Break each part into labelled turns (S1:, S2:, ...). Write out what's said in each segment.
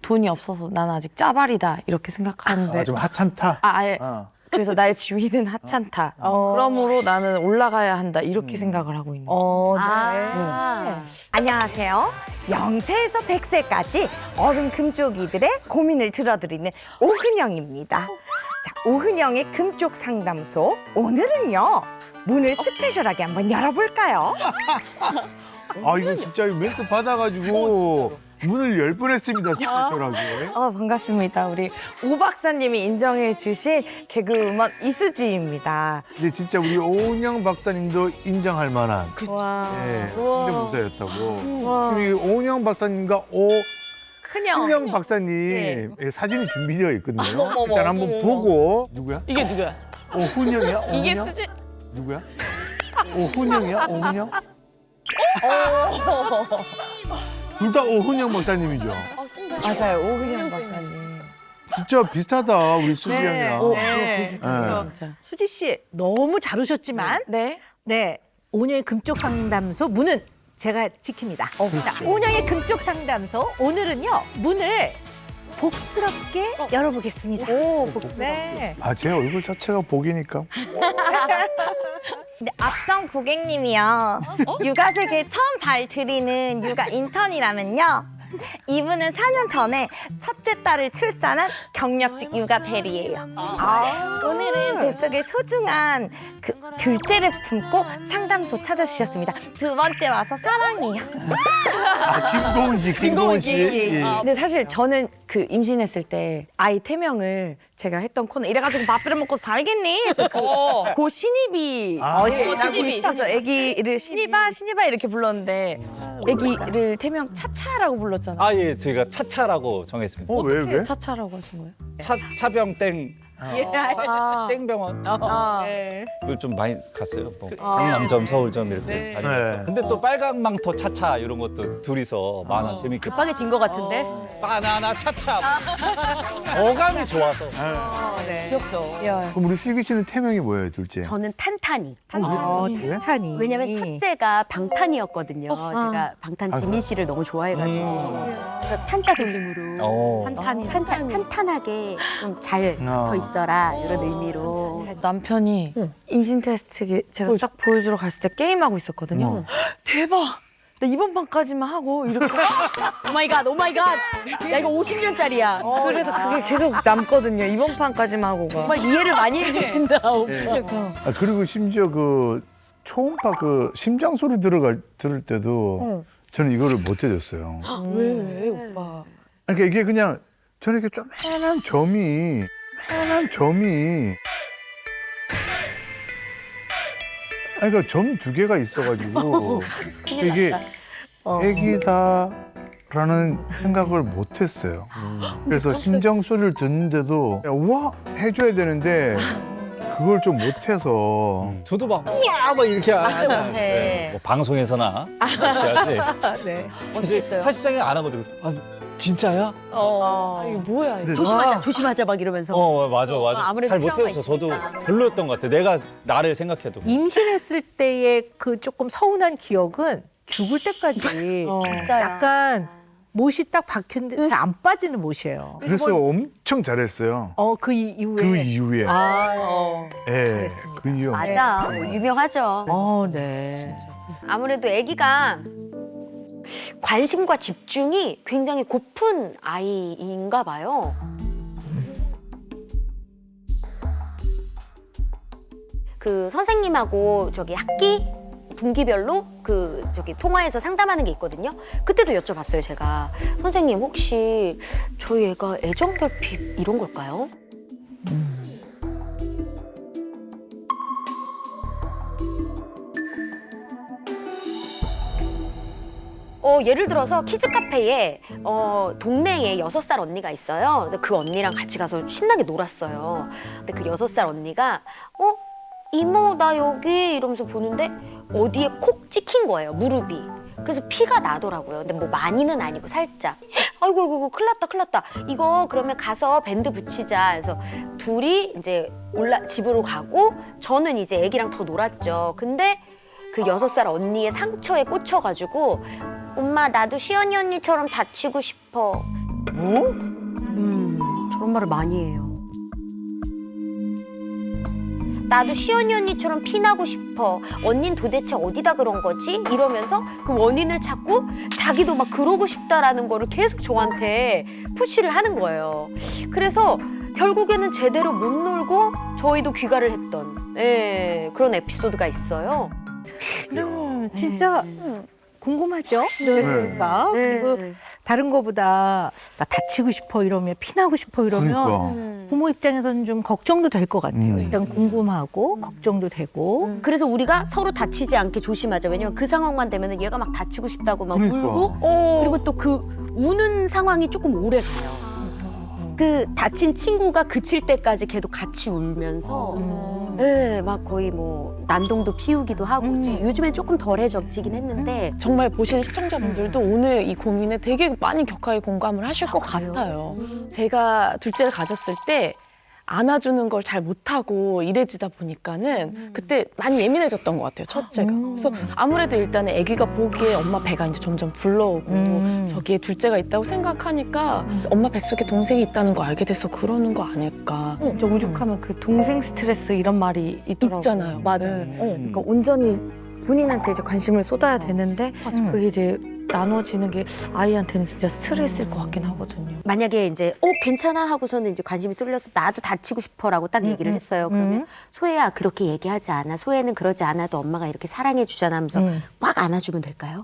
S1: 돈이 없어서 나는 아직 짜발이다 이렇게 생각하는데
S2: 좀 하찮다.
S1: 아예 그래서 나의 지위는 하찮다. 그러므로 나는 올라가야 한다 이렇게 생각을 하고 있는 거예요.
S3: 안녕하세요. 0세에서 100세까지 어른 금쪽이들의 고민을 들어드리는 오은영입니다. 자, 오은영의 금쪽 상담소. 오늘은요, 문을 스페셜하게 한번 열어볼까요?
S2: 아 이거 진짜 멘트 받아가지고 문을 열 뻔했습니다. 스페셜하게.
S1: 반갑습니다. 우리 오 박사님이 인정해 주신 개그우먼 이수지입니다.
S2: 근데 진짜 우리 오은영 박사님도 인정할 만한 성대모사였다고. 그럼 이 오은영 박사님과 큰영 박사님 사진이 준비되어 있거든요. 일단 한번 보고. 누구야?
S1: 이게 누구야?
S2: 오훈영이야?
S1: 이게
S2: 오훈영?
S1: 수지.
S2: 누구야? 오훈영이야? 오훈영? 둘 다 오훈영 박사님이죠.
S1: 맞아요. 오은영 박사님.
S2: 진짜 비슷하다 우리 수지양이랑.
S1: 비슷해요. 진짜.
S4: 수지 씨 너무 잘 오셨지만
S1: 네.
S4: 네 오은영의 금쪽 상담소 문은 제가 지킵니다. 자, 오은영의 금쪽 상담소 오늘은요 문을 복스럽게 열어보겠습니다.
S1: 오, 복스.
S4: 네.
S2: 아, 제 얼굴 자체가 복이니까.
S3: 근데 앞선 고객님이요. 육아 세계에 처음 발들이는 육아 인턴이라면요. 이분은 4년 전에 첫째 딸을 출산한 경력직 육아 대리예요. 오늘은 뱃속에 소중한 그 둘째를 품고 상담소 찾아주셨습니다. 두 번째 와서 사랑해요.
S2: 김고은 씨. 예.
S1: 근데 사실 저는 그 임신했을 때 아이 태명을 제가 했던 코너 이래가지고 밥 비벼 먹고 살겠니? 고 신입이
S3: 신입이.
S1: 있어서 아기를 신입아 이렇게 불렀는데 아기를 태명 차차라고 불렀잖아요.
S5: 아, 예, 저희가 차차라고 정했습니다.
S2: 왜,
S1: 어떻게
S2: 왜?
S1: 차차라고 하신 거예요?
S5: 차병 땡,
S1: 아,
S5: 땡병원.
S1: 네.
S5: 을 좀 많이 갔어요. 뭐 강남점, 서울점 이렇게 다니면서.
S2: 네.
S5: 근데 또 빨간 망토 차차 이런 것도 둘이서 만화 재밌게.
S1: 급하게 진 것 같은데?
S5: 바나나 차차. 어감이 좋아서.
S1: 귀엽죠.
S2: 그럼 우리 슬기 씨는 태명이 뭐예요, 둘째?
S6: 저는 탄탄이.
S2: 왜?
S4: 탄이.
S6: 왜냐면 첫째가 방탄이었거든요. 제가 방탄 지민 씨를 너무 좋아해가지고. 그래서 탄자 돌림으로 탄탄하게 좀 잘 붙어 있어라 이런 의미로.
S1: 남편이 임신 테스트 제가 딱 보여주러 갔을 때 게임하고 있었거든요. 대박! 나 이번 판까지만 하고 이렇게
S4: 오마이갓 오마이갓. 야 이거 50년짜리야.
S1: 그래서 그게 계속 남거든요. 이번 판까지만 하고가.
S4: 정말 이해를 많이 해주신다.
S1: 그래서
S2: 그리고 심지어 그 초음파 그 심장 소리 들을 때도 저는 이거를 못 해줬어요.
S1: 왜 오빠?
S2: 그러니까 이게 그냥 저는 이렇게 조그만한 점이 그러니까 점 두 개가 있어가지고 이게 애기다라는 생각을 못했어요. 그래서 심장 소리를 듣는데도 우와 해줘야 되는데 그걸 좀 못해서
S5: 저도 막 우와 막 이렇게 하잖아요.
S6: 못해.
S5: 뭐 방송에서나 이렇게 하지.
S1: 네.
S5: 사실상은 안 하거든요. 아, 진짜야?
S1: 이거 뭐야? 이거.
S4: 조심하자 막 이러면서.
S5: 맞아.
S6: 아무래도
S5: 잘
S6: 트라우마
S5: 못해서 저도 별로였던 것 같아. 내가 나를 생각해도.
S4: 임신했을 때의 그 조금 서운한 기억은 죽을 때까지
S6: 진짜야.
S4: 약간 못이 딱 박혔는데 잘 안 빠지는 못이에요.
S2: 그래서 엄청 잘했어요.
S4: 그 이후에.
S2: 그 이후에 예,
S4: 그랬습니다.
S2: 그 이후
S6: 맞아. 뭐 유명하죠.
S4: 네.
S6: 아무래도 아기가 관심과 집중이 굉장히 고픈 아이인가 봐요. 그 선생님하고 저기 학기 분기별로 그 저기 통화해서 상담하는 게 있거든요. 그때도 여쭤봤어요, 제가. 선생님 혹시 저희 애가 애정 결핍 이런 걸까요? 예를 들어서 키즈 카페에 동네에 6살 언니가 있어요. 근데 그 언니랑 같이 가서 신나게 놀았어요. 근데 그 6살 언니가 이모 나 여기 이러면서 보는데 어디에 콕 찍힌 거예요, 무릎이. 그래서 피가 나더라고요. 근데 뭐 많이는 아니고 살짝. 아이고 큰일 났다. 이거 그러면 가서 밴드 붙이자. 그래서 둘이 이제 집으로 가고 저는 이제 애기랑 더 놀았죠. 근데 그 6살 언니의 상처에 꽂혀가지고 엄마 나도 시연이 언니처럼 다치고 싶어 저런 말을 많이 해요. 나도 시연이 언니처럼 피나고 싶어. 언닌 도대체 어디다 그런 거지? 이러면서 그 원인을 찾고 자기도 막 그러고 싶다라는 거를 계속 저한테 푸시를 하는 거예요. 그래서 결국에는 제대로 못 놀고 저희도 귀가를 했던 그런 에피소드가 있어요.
S4: 진짜 궁금하죠? 그러니까
S6: 네.
S4: 그리고 다른 거보다 나 다치고 싶어 이러면 피나고 싶어 이러면
S2: 그러니까.
S4: 부모 입장에서는 좀 걱정도 될 것 같아요. 일단 궁금하고 걱정도 되고.
S6: 그래서 우리가 서로 다치지 않게 조심하자. 왜냐면 그 상황만 되면 얘가 막 다치고 싶다고 막
S2: 그러니까.
S6: 울고 그리고 또 그 우는 상황이 조금 오래 가요. 그 다친 친구가 그칠 때까지 걔도 같이 울면서 막 거의 뭐 난동도 피우기도 하고 요즘엔 조금 덜해졌긴 했는데
S7: 정말 보시는 시청자분들도 오늘 이 고민에 되게 많이 격하게 공감을 하실 것
S6: 그래요?
S7: 같아요. 제가 둘째를 가졌을 때 안아주는 걸 잘 못하고 이래지다 보니까는 그때 많이 예민해졌던 것 같아요, 첫째가. 그래서 아무래도 일단은 아기가 보기에 엄마 배가 이제 점점 불러오고 저기에 둘째가 있다고 생각하니까 엄마 뱃속에 동생이 있다는 거 알게 돼서 그러는 거 아닐까.
S1: 진짜 오죽하면 그 동생 스트레스 이런 말이 있더라고요.
S7: 있잖아요. 맞아요.
S1: 그러니까 온전히 본인한테 이제 관심을 쏟아야 되는데 그게 이제 나눠지는 게 아이한테는 진짜 스트레스일 것 같긴 하거든요.
S6: 만약에 이제 괜찮아 하고서는 이제 관심이 쏠려서 나도 다치고 싶어라고 딱 얘기를 했어요. 그러면 소혜야 그렇게 얘기하지 않아. 소혜는 그러지 않아도 엄마가 이렇게 사랑해 주잖아 하면서 꽉 안아주면 될까요?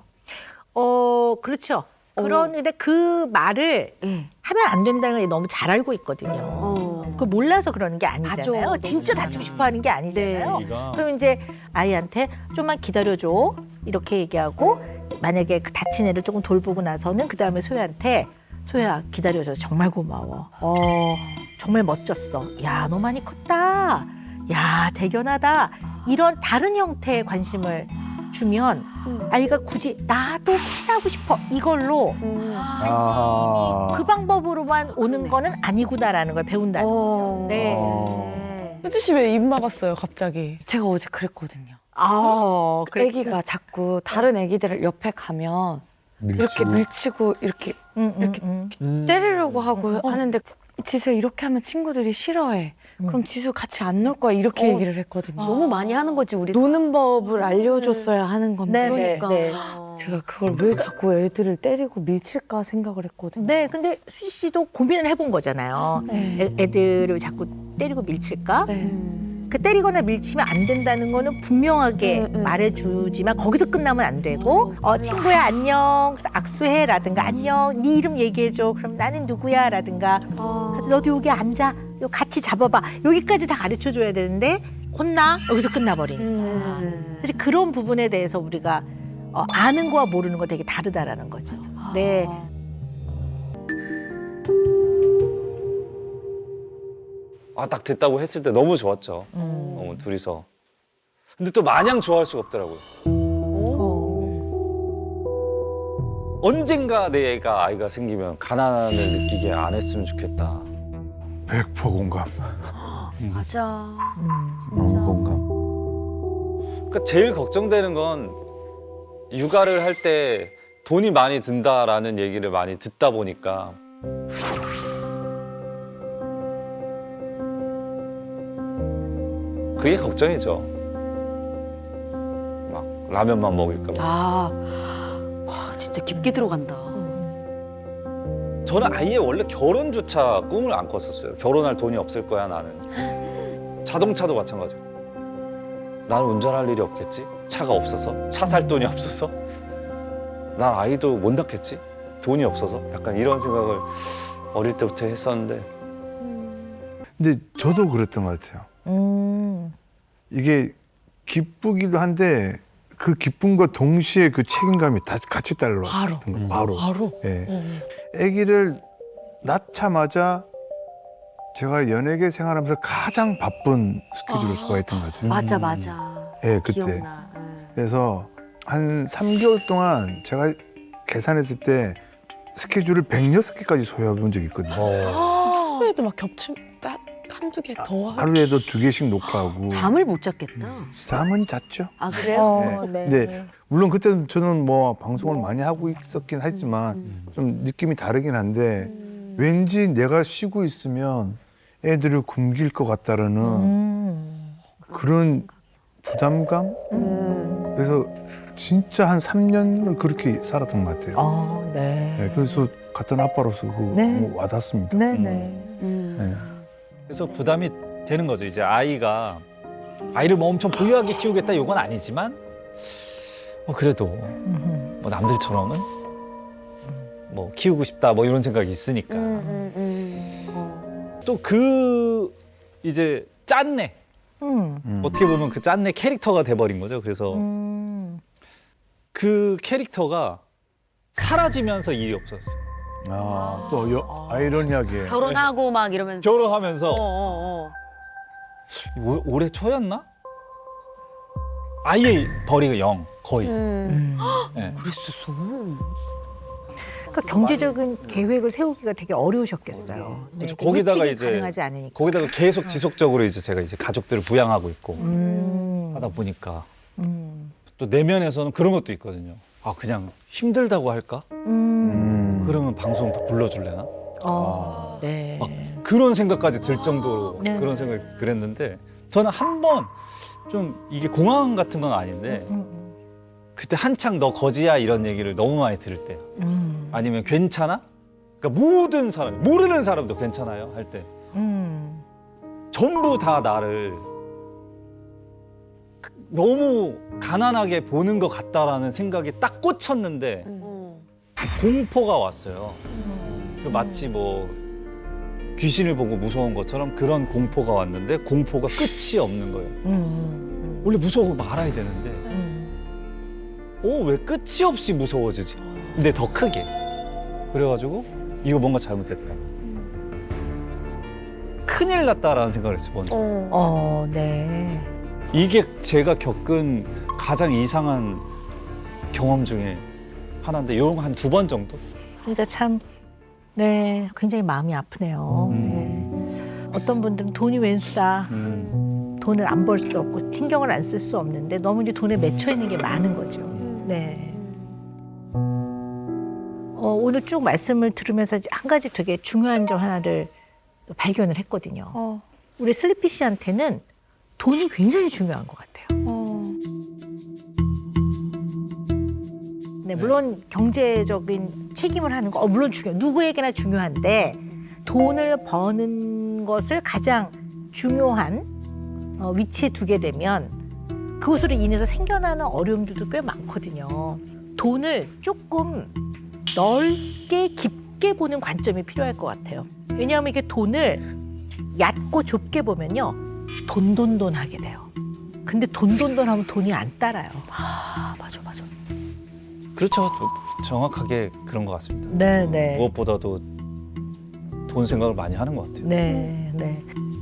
S4: 그렇죠. 그런데 그 말을
S6: 예.
S4: 하면 안 된다는 걸 너무 잘 알고 있거든요. 그걸 몰라서 그러는 게 아니잖아요.
S6: 맞아.
S4: 진짜 다치고 싶어 하는 게 아니잖아요.
S6: 네.
S4: 그럼 이제 아이한테 좀만 기다려줘. 이렇게 얘기하고 만약에 그 다친 애를 조금 돌보고 나서는 그 다음에 소혜한테 소혜야 기다려줘서 정말 고마워. 정말 멋졌어. 야, 너 많이 컸다. 야, 대견하다. 이런 다른 형태의 관심을 주면 아이가 굳이 나도 피나고 싶어 이걸로
S2: 아.
S4: 그 방법으로만 오는 거는 아니구나라는 걸 배운다는 거죠. 네.
S7: 수지 씨 왜 입 막았어요, 갑자기?
S1: 제가 어제 그랬거든요.
S4: 그래.
S1: 아기가 자꾸 다른 아기들 옆에 가면 이렇게 밀치고 이렇게 때리려고 하고 하는데 지수 이렇게 하면 친구들이 싫어해. 그럼 지수 같이 안 놀 거야 이렇게 얘기를 했거든요.
S6: 너무 많이 하는 거지 우리.
S1: 노는 법을 알려줬어야 하는 건데
S4: 네, 네.
S1: 제가 그걸 왜 자꾸 애들을 때리고 밀칠까 생각을 했거든요.
S4: 네, 근데 수지 씨도 고민을 해본 거잖아요. 애들을 자꾸 때리고 밀칠까? 그 때리거나 밀치면 안 된다는 거는 분명하게 말해주지만 거기서 끝나면 안 되고 친구야 안녕 그래서 악수해라든가 안녕 네 이름 얘기해줘 그럼 나는 누구야라든가 그래서 너도 여기 앉아 요 같이 잡아봐 여기까지 다 가르쳐줘야 되는데 혼나 여기서 끝나버리는 거야. 사실 그런 부분에 대해서 우리가 아는 거와 모르는 거 되게 다르다라는 거죠. 네.
S5: 딱 됐다고 했을 때 너무 좋았죠. 둘이서. 근데 또 마냥 좋아할 수가 없더라고요. 언젠가 내 애가 아이가 생기면 가난을 느끼게 안 했으면 좋겠다.
S2: 100% 공감.
S6: 맞아.
S2: 너무 공감.
S5: 그러니까 제일 걱정되는 건 육아를 할 때 돈이 많이 든다라는 얘기를 많이 듣다 보니까 그게 걱정이죠. 막 라면만 먹을까 봐.
S6: 와 진짜 깊게 들어간다.
S5: 저는 아예 원래 결혼조차 꿈을 안 꿨었어요. 결혼할 돈이 없을 거야 나는. 자동차도 마찬가지고. 나는 운전할 일이 없겠지? 차가 없어서? 차 살 돈이 없어서? 난 아이도 못 낳겠지? 돈이 없어서? 약간 이런 생각을 어릴 때부터 했었는데
S2: 근데 저도 그랬던 것 같아요. 이게 기쁘기도 한데 그 기쁨과 동시에 그 책임감이 다 같이 따라왔던 거예요. 바로. 예. 아기를 낳자마자 제가 연예계 생활하면서 가장 바쁜 스케줄을 소화했던 것 같아요.
S6: 맞아.
S2: 예, 그때.
S6: 기억나.
S2: 그래서 한 3개월 동안 제가 계산했을 때 스케줄을 106개까지 소화해 본 적이 있거든요.
S7: 하루에도 막 겹침 한두 개 더 하고.
S2: 하루에도 2개씩 녹화하고.
S6: 잠을 못 잤겠다.
S2: 잠은 잤죠.
S6: 아 그래요?
S2: 네. 근데 물론 그때는 저는 뭐 방송을 많이 하고 있었긴 하지만 좀 느낌이 다르긴 한데 왠지 내가 쉬고 있으면 애들을 굶길 것 같다라는 그런 부담감? 그래서 진짜 한 3년을 그렇게 살았던 것 같아요.
S4: 네.
S2: 네, 그래서 같은 아빠로서
S4: 네.
S2: 너무 와닿습니다.
S4: 네,
S7: 음.
S4: 네.
S2: 네.
S5: 그래서 부담이 되는 거죠. 이제 아이를 뭐 엄청 부유하게 키우겠다 이건 아니지만 그래도 뭐 남들처럼은 뭐 키우고 싶다 뭐 이런 생각이 있으니까 또 그 이제 짠내 어떻게 보면 그 짠내 캐릭터가 돼버린 거죠. 그래서 그 캐릭터가 사라지면서 일이 없었어요.
S2: 또 아이러니하게
S6: 결혼하고 막 이러면서
S5: 결혼하면서 올해 초였나? 아예 벌이가 0 거의. 네.
S4: 그러니까 경제적인 계획을 세우기가 되게 어려우셨겠어요. 네.
S5: 그렇죠. 거기다가
S4: 예측이
S5: 이제
S4: 가능하지 않으니까.
S5: 거기다가 계속 지속적으로 이제 제가 이제 가족들을 부양하고 있고 하다 보니까 또 내면에서는 그런 것도 있거든요. 그냥 힘들다고 할까? 그러면 방송 더 불러줄래나?
S4: 네.
S5: 막 그런 생각까지 들 정도로
S4: 네.
S5: 그런 생각이 그랬는데 저는 한 번 좀 이게 공황 같은 건 아닌데 그때 한창 너 거지야 이런 얘기를 너무 많이 들을 때 아니면 괜찮아? 그러니까 모든 사람 모르는 사람도 괜찮아요 할 때 전부 다 나를 너무 가난하게 보는 것 같다라는 생각이 딱 꽂혔는데 공포가 왔어요. 그 마치 뭐 귀신을 보고 무서운 것처럼 그런 공포가 왔는데 공포가 끝이 없는 거예요. 원래 무서워 말아야 되는데 왜 끝이 없이 무서워지지? 근데 더 크게. 그래가지고 이거 뭔가 잘못됐다. 큰일 났다라는 생각을 했어요. 먼저.
S4: 네.
S5: 이게 제가 겪은 가장 이상한 경험 중에 하나인데 이런 거 한 2번 정도?
S4: 그러니까 참, 네, 굉장히 마음이 아프네요. 네. 어떤 분들은 돈이 왼수다. 돈을 안 벌 수 없고 신경을 안 쓸 수 없는데 너무 이제 돈에 맺혀 있는 게 많은 거죠. 네. 오늘 쭉 말씀을 들으면서 이제 한 가지 되게 중요한 점 하나를 발견을 했거든요. 우리 슬리피 씨한테는 돈이 굉장히 중요한 것 같아요. 네, 물론 경제적인 책임을 하는 거 물론 중요해요. 누구에게나 중요한데 돈을 버는 것을 가장 중요한 위치에 두게 되면 그것으로 인해서 생겨나는 어려움들도 꽤 많거든요. 돈을 조금 넓게 깊게 보는 관점이 필요할 것 같아요. 왜냐하면 이게 돈을 얕고 좁게 보면요. 돈돈돈 하게 돼요. 근데 돈돈돈 하면 돈이 안 따라요.
S6: 맞아.
S5: 그렇죠. 정확하게 그런 것 같습니다.
S4: 네.
S5: 무엇보다도 돈 생각을 많이 하는 것 같아요.
S4: 네.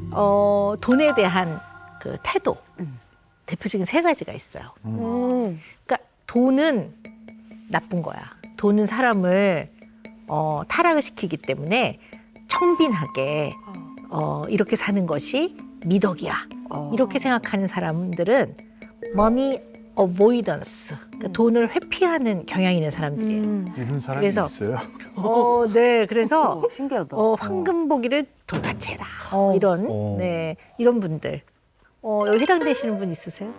S4: 돈에 대한 그 태도 대표적인 3가지가 있어요. 그러니까 돈은 나쁜 거야. 돈은 사람을 타락을 시키기 때문에 청빈하게 이렇게 사는 것이 미덕이야. 이렇게 생각하는 사람들은 money avoidance, 그러니까 돈을 회피하는 경향이 있는 사람들이에요.
S2: 이런 사람이
S4: 그래서
S2: 있어요.
S4: 네, 그래서
S6: 신기하다.
S4: 황금보기를 돌같이 해라. 이런 분들. 여기 해당되시는 분 있으세요?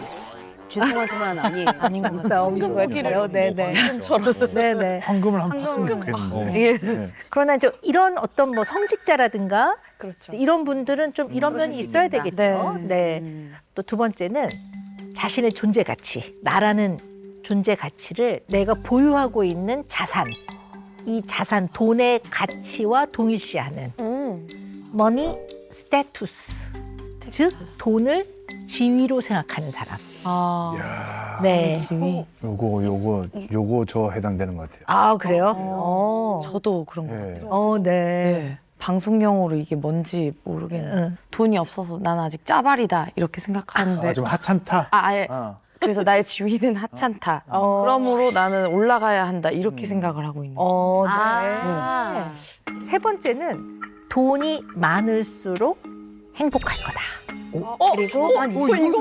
S6: 죄송하지만 아니에요.
S1: 아닌 것 같아요.
S4: 황금보기요? 네네. 네네.
S2: 황금을 한번 봤으면 좋겠는데. 네.
S4: 그러나 이제 이런 어떤 뭐 성직자라든가
S1: 그렇죠.
S4: 이런 분들은 좀 이런 면이 있어야 되겠죠. 네. 또 2번째는 자신의 존재 가치, 나라는 존재 가치를 내가 보유하고 있는 자산, 이 자산, 돈의 가치와 동일시하는 money status, 즉 돈을 지위로 생각하는 사람.
S2: 이야,
S4: 네.
S1: 지위.
S2: 요거 저 해당되는 것 같아요.
S4: 아 그래요?
S1: 저도 그런 것
S2: 네.
S1: 같아요.
S4: 네.
S1: 방송용어로 이게 뭔지 모르겠는데 돈이 없어서 난 아직 짜발이다 이렇게 생각하는데
S2: 좀 하찮다.
S1: 아예 그래서 나의 지위는 하찮다. 그러므로 나는 올라가야 한다 이렇게 생각을 하고 있는 거예요.
S4: 네. 3번째는 돈이 많을수록 행복할 거다. 그리고
S6: 난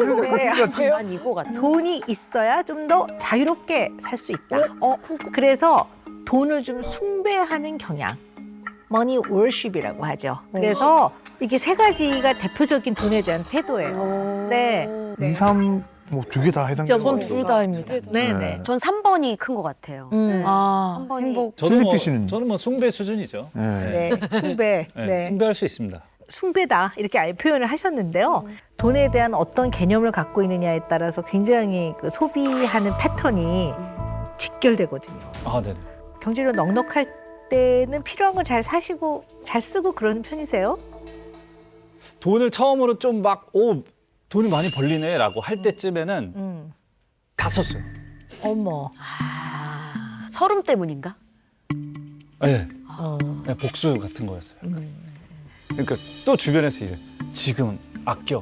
S6: 이거 같아.
S4: 돈이 있어야 좀 더 자유롭게 살 수 있다. 그래서 돈을 좀 숭배하는 경향. 머니 월십이라고 하죠. 그래서 이게 세 가지가 대표적인 돈에 대한 태도예요. 네.
S2: 2, 3, 뭐 두 개 다 해당돼요.
S1: 전 둘 다입니다.
S4: 네네.
S6: 전 3번이 큰 것 같아요.
S1: 아,
S6: 3번이
S1: 행복.
S2: 슬리피 씨는?
S5: 저는 뭐 숭배 수준이죠.
S2: 네.
S4: 네. 숭배.
S5: 네,
S4: 네.
S5: 숭배할 수 있습니다.
S4: 숭배다 이렇게 아예 표현을 하셨는데요. 돈에 대한 어떤 개념을 갖고 있느냐에 따라서 굉장히 그 소비하는 패턴이 직결되거든요.
S5: 아, 네.
S4: 경제력 넉넉할 때는 필요한 거 잘 사시고 잘 쓰고 그러는 편이세요?
S5: 돈을 처음으로 좀 막 돈이 많이 벌리네라고 할 때쯤에는 다 썼어요.
S4: 어머.
S6: 서름 때문인가?
S5: 네. 네, 복수 같은 거였어요. 그러니까 또 주변에서 이래. 지금 아껴.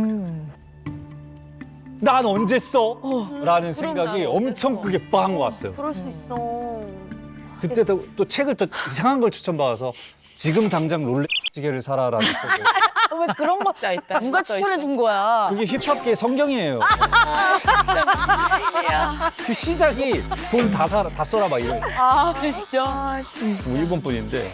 S5: 난 언제 써? 라는 생각이
S7: 난 언제
S5: 엄청
S7: 써?
S5: 크게 빵 왔어요.
S6: 그럴 수 있어.
S5: 그때 또 책을 또 이상한 걸 추천받아서 지금 당장 롤렉 시계를 사라라는 책을.
S7: 왜 그런 것도 있다.
S6: 누가 추천해 준 거야?
S5: 그게 힙합계의 성경이에요. 그 시작이 돈 다 써라 막 이런.
S7: 아, 진짜.
S5: 뭐 일본 분인데.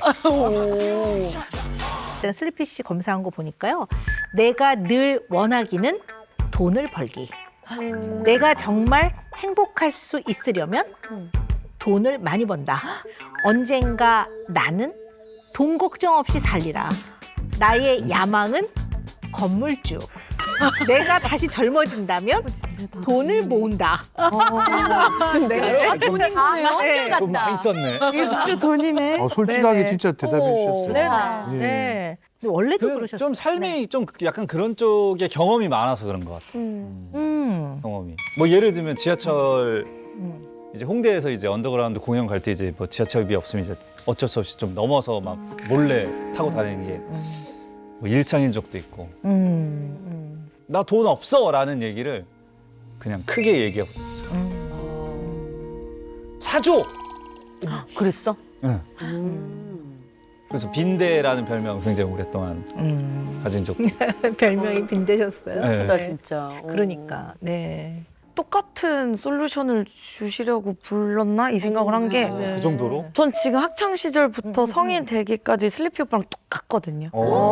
S4: 일단 슬리피 씨 검사한 거 보니까요. 내가 늘 원하기는 돈을 벌기. 내가 정말 행복할 수 있으려면 돈을 많이 번다. 언젠가 나는 돈 걱정 없이 살리라. 나의 야망은 건물주. 내가 다시 젊어진다면 돈을 모은다. 네.
S6: 돈인 거네요. 한결
S5: 돈 많이
S6: 같다.
S5: 썼네.
S1: 이게 진짜 돈이네.
S2: 솔직하게
S4: 네네.
S2: 진짜 대답해 주셨어요.
S4: 네.
S2: 예.
S4: 네. 근데 원래도 그러셨어요.
S5: 좀 삶이 좀 약간 그런 쪽에 경험이 많아서 그런 것 같아요. 경험이. 뭐 예를 들면 지하철 이제 홍대에서 이제 언더그라운드 공연 갈 때 이제 뭐 지하철비 없으면 이제 어쩔 수 없이 좀 넘어서 막 몰래 타고 다니는 게 뭐 일상인 적도 있고. 나 돈 없어라는 얘기를 그냥 크게 얘기하고 있어요. 사줘.
S6: 그랬어?
S5: 응. 그래서 빈대라는 별명을 굉장히 오랫동안 가진 적도 있고.
S4: 별명이 빈대셨어요.
S5: 네.
S6: 나 진짜.
S4: 그러니까. 네.
S1: 똑같은 솔루션을 주시려고 불렀나 이 생각을 한 게 전
S5: 그 정도로?
S1: 지금 학창 시절부터 성인 되기까지 슬리피 오빠랑 똑같거든요.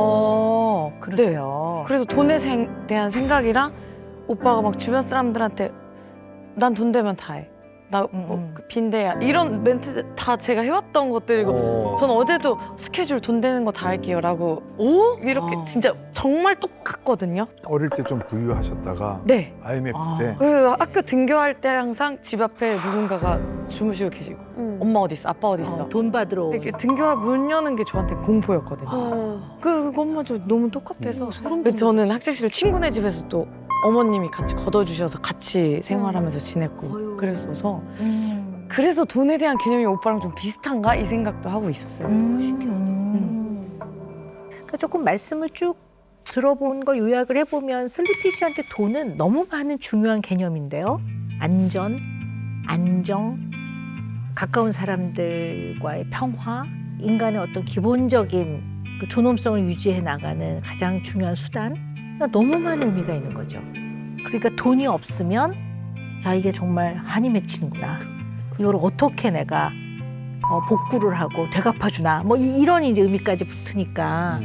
S4: 그러세요.
S1: 그래서 돈에 대한 생각이랑 오빠가 막 주변 사람들한테 난 돈 되면 다 해. 나 그 빈대야. 이런 멘트 다 제가 해왔던 것들이고 전 어제도 스케줄 돈 되는 거 다 할게요라고 이렇게 진짜 정말 똑같거든요.
S2: 어릴 때 좀 부유하셨다가
S1: 네.
S2: IMF 때
S1: 그 학교 등교할 때 항상 집 앞에 누군가가 주무시고 계시고 엄마 어디 있어? 아빠 어디 있어?
S4: 돈 받으러.
S1: 이렇게 등교할 문 여는 게 저한테 공포였거든요. 그것마저 너무 똑같아서. 그래서 저는 학창시절 친구네 집에서 또 어머님이 같이 걷어주셔서 같이 생활하면서 지냈고 그랬어서 그래서 돈에 대한 개념이 오빠랑 좀 비슷한가 이 생각도 하고 있었어요.
S4: 그러니까 조금 말씀을 쭉 들어본 걸 요약을 해보면 슬리피 씨한테 돈은 너무 많은 중요한 개념인데요. 안전, 안정, 가까운 사람들과의 평화, 인간의 어떤 기본적인 그 존엄성을 유지해 나가는 가장 중요한 수단. 그러니까 너무 많은 의미가 있는 거죠. 그러니까 돈이 없으면 야 이게 정말 한이 맺히는구나. 이걸 어떻게 내가 복구를 하고 되갚아주나. 뭐 이런 이제 의미까지 붙으니까.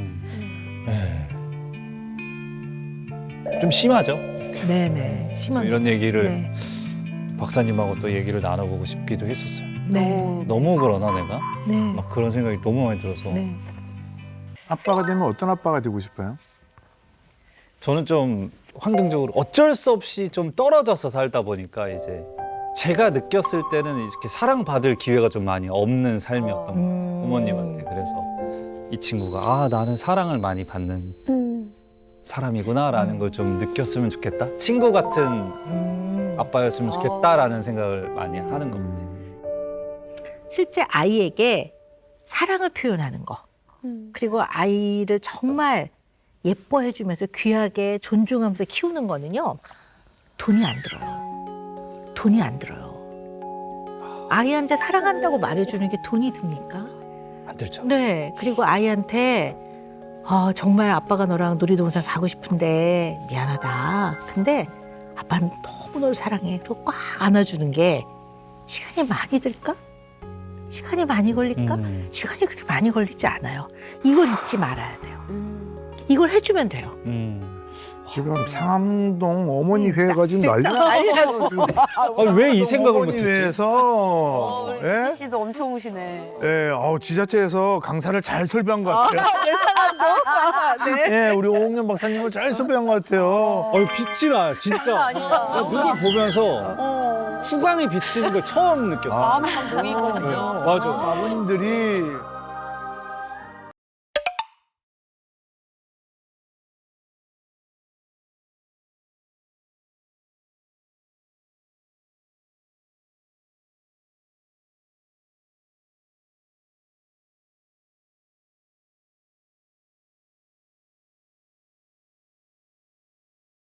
S5: 좀 심하죠?
S4: 네네.
S5: 그래서
S4: 심한.
S5: 이런 얘기를
S4: 네.
S5: 박사님하고 또 얘기를 나눠보고 싶기도 했었어요.
S4: 네.
S5: 너무 그러나 내가?
S4: 네.
S5: 막 그런 생각이 너무 많이 들어서
S4: 네.
S2: 아빠가 되면 어떤 아빠가 되고 싶어요?
S5: 저는 좀 환경적으로 어쩔 수 없이 좀 떨어져서 살다 보니까 이제 제가 느꼈을 때는 이렇게 사랑받을 기회가 좀 많이 없는 삶이었던 것 같아요. 부모님한테. 그래서 이 친구가 나는 사랑을 많이 받는 사람이구나라는 걸 좀 느꼈으면 좋겠다. 친구 같은 아빠였으면 좋겠다라는 생각을 많이 하는 것 같아요.
S4: 실제 아이에게 사랑을 표현하는 거. 그리고 아이를 정말 예뻐해주면서 귀하게 존중하면서 키우는 거는요. 돈이 안 들어요. 돈이 안 들어요. 아이한테 사랑한다고 말해주는 게 돈이 듭니까?
S5: 안 들죠?
S4: 네. 그리고 아이한테 정말 아빠가 너랑 놀이동산 가고 싶은데 미안하다. 근데 아빠는 너무 널 사랑해. 그리고 꽉 안아주는 게 시간이 많이 들까? 시간이 많이 걸릴까? 시간이 그렇게 많이 걸리지 않아요. 이걸 잊지 말아야 돼요. 이걸 해주면 돼요.
S2: 지금 상암동 어머니 회가 지금 난리났어.
S5: 아니, 왜 이 생각을
S2: 어머니
S5: 못했지?
S2: 회에서 예?
S1: 씨도 엄청 우시네.
S2: 예, 지자체에서 강사를 잘 설배한 것 같아요. 예, 우리 오홍년 박사님을 잘 설배한 것 같아요.
S5: 빛이 나요, 진짜. 나 누굴 보면서 후광이 비치는 걸 처음 느꼈어.
S1: 마음이 딱 모이거든요.
S5: 맞아.
S2: 아버님들이